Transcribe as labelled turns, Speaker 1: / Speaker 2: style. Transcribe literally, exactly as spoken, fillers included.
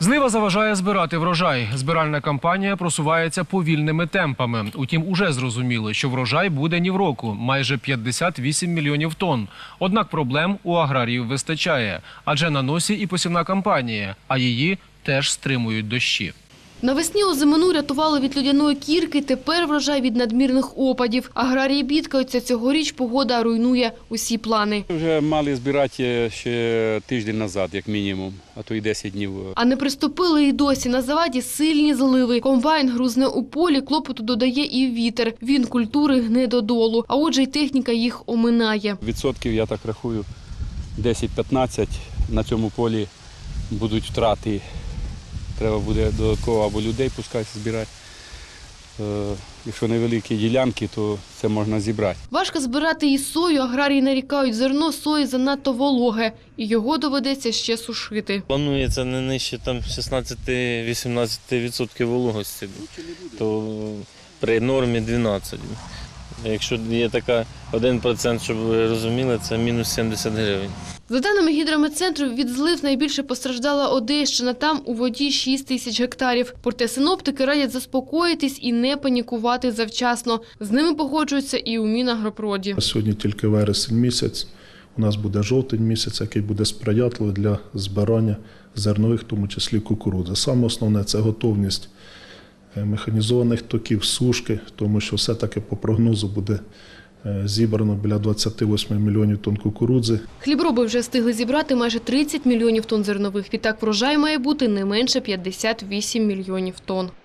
Speaker 1: Злива заважає збирати врожай. Збиральна кампанія просувається повільними темпами. Утім, уже зрозуміло, що врожай буде ні в року – майже п'ятдесят вісім мільйонів тонн. Однак проблем у аграріїв вистачає. Адже на носі і посівна кампанія, а її теж стримують дощі.
Speaker 2: Навесні озимину рятували від людяної кірки, тепер врожай від надмірних опадів. Аграрії бідкаються, цьогоріч погода руйнує усі плани.
Speaker 3: Вже мали збирати ще тиждень назад, як мінімум, а то й десять днів.
Speaker 2: А не приступили і досі. На заваді сильні зливи. Комбайн грузне у полі, клопоту додає і вітер. Він культури гне додолу, а отже й техніка їх оминає.
Speaker 3: Відсотків, я так рахую, десять-п'ятнадцять на цьому полі будуть втрати. Треба буде додатково або людей пускати збирати. Якщо невеликі ділянки, то це можна зібрати.
Speaker 2: Важко збирати і сою. Аграрії нарікають, зерно сої занадто вологе. І його доведеться ще сушити.
Speaker 4: Планується не нижче вісімнадцять відсотків вологості, то при нормі дванадцять. Якщо є така один відсоток, щоб ви розуміли, це мінус сімдесят гривень.
Speaker 2: За даними гідрометцентру, від злив найбільше постраждала Одещина. Там у воді шість тисяч гектарів. Проте синоптики радять заспокоїтись і не панікувати завчасно. З ними погоджуються і у Мінагропроді.
Speaker 5: Сьогодні тільки вересень місяць. У нас буде жовтень місяць, який буде сприятливий для збирання зернових, в тому числі кукурудзи. Саме основне – це готовність механізованих токів, сушки, тому що все-таки по прогнозу буде зібрано біля двадцяти восьми мільйонів тонн кукурудзи.
Speaker 2: Хлібороби вже встигли зібрати майже тридцять мільйонів тонн зернових. Відтак врожай має бути не менше п'ятдесят вісім мільйонів тонн.